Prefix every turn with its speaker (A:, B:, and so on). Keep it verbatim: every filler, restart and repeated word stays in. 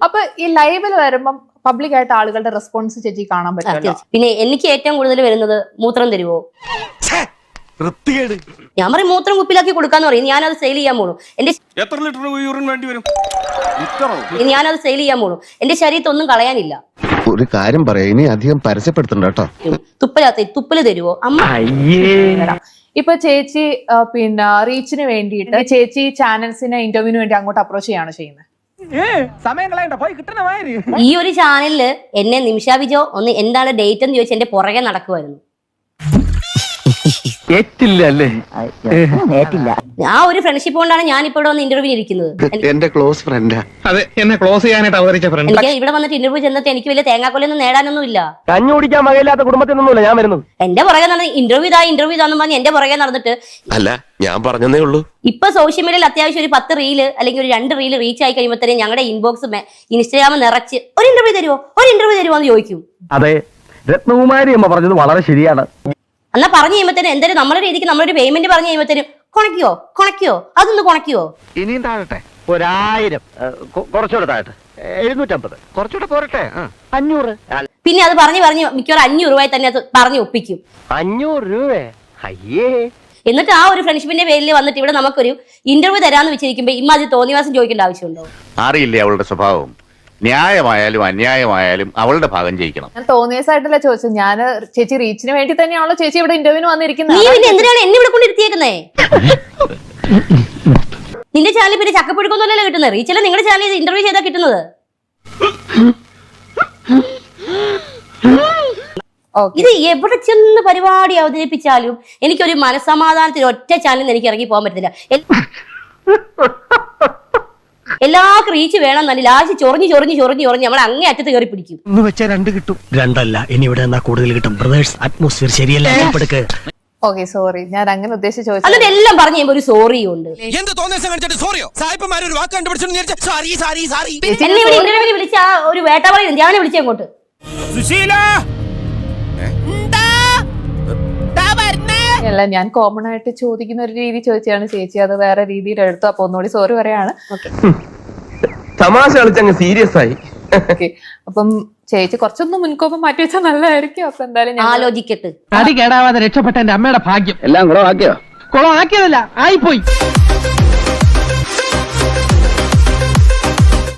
A: അപ്പൊ ഈ ലൈവിൽ വരുമ്പം പബ്ലിക് ആയിട്ട് ആളുകളുടെ റെസ്പോൺസ് ചേച്ചി കാണാൻ പറ്റും.
B: പിന്നെ എനിക്ക് ഏറ്റവും കൂടുതൽ വരുന്നത് മൂത്രം തരുവോ, ഞാൻ പറയും മൂത്രം കുപ്പിലാക്കി കൊടുക്കാന്ന് പറയും. ഞാനത് സെയിൽ ചെയ്യാൻ പോണു. എന്റെ
C: എത്ര ലിറ്റർ യൂറിൻ വേണ്ടി വരും?
B: ഞാനത് സെയിൽ ചെയ്യാൻ പോണു. എന്റെ ശരീരത്തിൽ ഒന്നും കളയാനില്ല.
D: ഒരു കാര്യം പറയാ, ഇനി അധികം പരസ്യപ്പെടുത്തണ്ട കേട്ടോ.
B: തുപ്പലാത്ത തുപ്പല് തരുവോ അമ്മ?
A: ഇപ്പൊ ചേച്ചി പിന്നെ റീച്ചിന് വേണ്ടിയിട്ട് ചേച്ചി ചാനൽസിനെ ഇന്റർവ്യൂവിന് വേണ്ടി അങ്ങോട്ട് അപ്രോച്ച് ചെയ്യാണ് ചെയ്യുന്നത്.
B: ഈ ഒരു ചാനലില് എന്നെ നിമിഷ വിജോ ഒന്ന് എന്താണ് ഡേറ്റ് എന്ന് ചോദിച്ചാൽ എന്റെ പുറകെ നടക്കുമായിരുന്നു. ആ ഒരു ഫ്രണ്ട്ഷിപ്പ് കൊണ്ടാണ് ഞാൻ ഇപ്പൊ ഇവിടെ വന്ന് ഇന്റർവ്യൂ ഇരിക്കുന്നത്.
D: എന്റെ ക്ലോസ് ഫ്രണ്ടാ.
E: അതെ, എന്നെ ക്ലോസ് ചെയ്യാനായിട്ട് അവതരിച്ച ഫ്രണ്ട്.
B: എനിക്ക് ഇവിടെ വന്നിട്ട് ഇന്റർവ്യൂ ചെന്നിട്ട് എനിക്ക് വലിയ തേങ്ങാക്കൊലൊന്നും നേടാനൊന്നും ഇല്ല.
E: കഞ്ഞി കുടിക്കാൻ വകയില്ലാത്ത കുടുംബത്തിൽ നിന്നല്ല ഞാൻ വരുന്നത്.
B: എന്റെ പുറകെ നടന്ന് ഇന്റർവ്യൂ ഇതാ ഇന്റർവ്യൂ ഇതാന്ന് പറഞ്ഞ് എന്റെ പുറകെ നടന്നിട്ട്
D: അല്ല, ഞാൻ പറഞ്ഞതേ ഉള്ളൂ.
B: ഇപ്പൊ സോഷ്യൽ മീഡിയയിൽ അത്യാവശ്യം ഒരു പത്ത് റീല് അല്ലെങ്കിൽ ഒരു രണ്ട് റീല് റീച്ച് ആയി കഴിയുമ്പോഴത്തേനും ഞങ്ങളുടെ ഇൻബോക്സ് ഇൻസ്റ്റാഗ്രാം നിറച്ച് ഒരു ഇന്റർവ്യൂ തരുമോ ഒരു ഇന്റർവ്യൂ തരുമോ എന്ന് ചോദിക്കും.
E: അതെ, രത്നകുമാരി അമ്മ പറഞ്ഞത് വളരെ ശരിയാണ്.
B: എന്നാ പറഞ്ഞു കഴിയുമ്പോഴത്തേനും എന്തായാലും നമ്മുടെ രീതിക്ക് നമ്മളൊരു പേയ്മെന്റ് പറഞ്ഞു കഴിയുമ്പോഴത്തേനും കൊണക്കിയോ കൊണക്കിയോ അതൊന്ന് കൊണക്കിയോ.
E: ഇനിയും താഴട്ടെ, ഒരായിരം കുറച്ചുകൂടെ താഴട്ടെ, എഴുന്നൂറ്റമ്പത് കുറച്ചുകൂടെ പോരട്ടെ, അഞ്ഞൂറ്.
B: പിന്നെ അത് പറഞ്ഞു പറഞ്ഞ് മിക്കവാറും അഞ്ഞൂറ് രൂപയിൽ തന്നെ അത് പറഞ്ഞു ഒപ്പിക്കും.
E: അഞ്ഞൂറ് രൂപ അയ്യേ.
B: എന്നിട്ട് ആ ഒരു ഫ്രണ്ട്ഷിപ്പിന്റെ പേരിൽ വന്നിട്ട് ഇവിടെ നമുക്കൊരു ഇന്റർവ്യൂ തരാന്ന് വെച്ചിരിക്കുമ്പോ ഇമ്മ അത് തോന്നിവാസം ചോദിക്കേണ്ട ആവശ്യമുണ്ടോ?
F: അറിയില്ലേ അവളുടെ സ്വഭാവം. ന്യായമായാലും അന്യായമായാലും അവളുടെ ഭാഗം ജയിക്കണം.
A: ഞാൻ തോന്നിയസായിട്ടല്ല ചോദിച്ചത്. ഞാൻ ചേച്ചി റീച്ചിന് വേണ്ടി തന്നെയാണല്ലോ ചേച്ചി ഇവിടെ ഇന്റർവ്യൂവിന് വന്നിരിക്കുന്നത്.
B: നീ പിന്നെ എന്തിനാണ് എന്നെ ഇവിടെ കൊണ്ടിരുത്തിയേക്കുന്നേ? നിന്റെ ചാനൽ പിന്നെ ചക്കപ്പുഴുക്കൊന്നുമല്ലല്ലോ കിട്ടുന്നത്. റീച്ചല്ല നിങ്ങളുടെ ചാനൽ ഇന്റർവ്യൂ ചെയ്താ കിട്ടുന്നത്. ഇത് എവിടെ ചെന്ന് പരിപാടി അവതരിപ്പിച്ചാലും എനിക്കൊരു മനസ്സമാധാനത്തിന് ഒറ്റ ചാനലിൽ എനിക്ക് ഇറങ്ങി പോകാൻ പറ്റത്തില്ല. എല്ലാവർക്കും റീച്ച് വേണം തന്നെ ലാസ്റ്റ് ചൊറിഞ്ഞ് ചൊറിഞ്ഞ് ചൊറിഞ്ഞ് ചൊറിഞ്ഞ് നമ്മൾ അങ്ങേ അറ്റത്ത് കയറി പിടിക്കും.
G: ഒന്ന് വെച്ചാൽ രണ്ട് കിട്ടും. രണ്ടല്ല, ഇനി ഇവിടെ എന്നാ കൂടുതൽ കിട്ടും. ബ്രദേഴ്സ് അറ്റ്മോസ്ഫിയർ ശരിയല്ല.
A: ഓക്കെ, സോറി, ഞാൻ അങ്ങനെ ഉദ്ദേശിച്ച് ചോദിച്ചു.
B: എന്നിട്ട് എല്ലാം പറഞ്ഞു കഴിയുമ്പോൾ ഒരു സോറിയും ഉണ്ട്. എന്നെ ഇവിടെ ഇന്റർവ്യൂവിൽ വിളിച്ച ആ ഒരു വേട്ടാവളി ഞാൻ വിളിച്ചേ അങ്ങോട്ട്.
A: അല്ല, ഞാൻ കോമൺ ആയിട്ട് ചോദിക്കുന്ന ഒരു രീതി ചോദിച്ചാണ് ചേച്ചി അത് വേറെ രീതിയിൽ എടുത്തു. അപ്പൊ ഒന്നുകൂടി സോറി പറയാണ്.
E: തമാശ കളിച്ചങ്ങ് സീരിയസ് ആയി.
A: അപ്പം ചേച്ചി കുറച്ചൊന്നും മുൻകോപം മാറ്റി വെച്ചാൽ നല്ലതായിരിക്കും. അപ്പൊ എന്തായാലും
B: ആലോചിക്കട്ടെ.
G: തടി കേടാവാതെ രക്ഷപ്പെട്ട എന്റെ അമ്മയുടെ ഭാഗ്യം.
E: എല്ലാം കുളമാക്കിയോ?
G: കുളമാക്കിയതല്ല, ആയിപ്പോയി.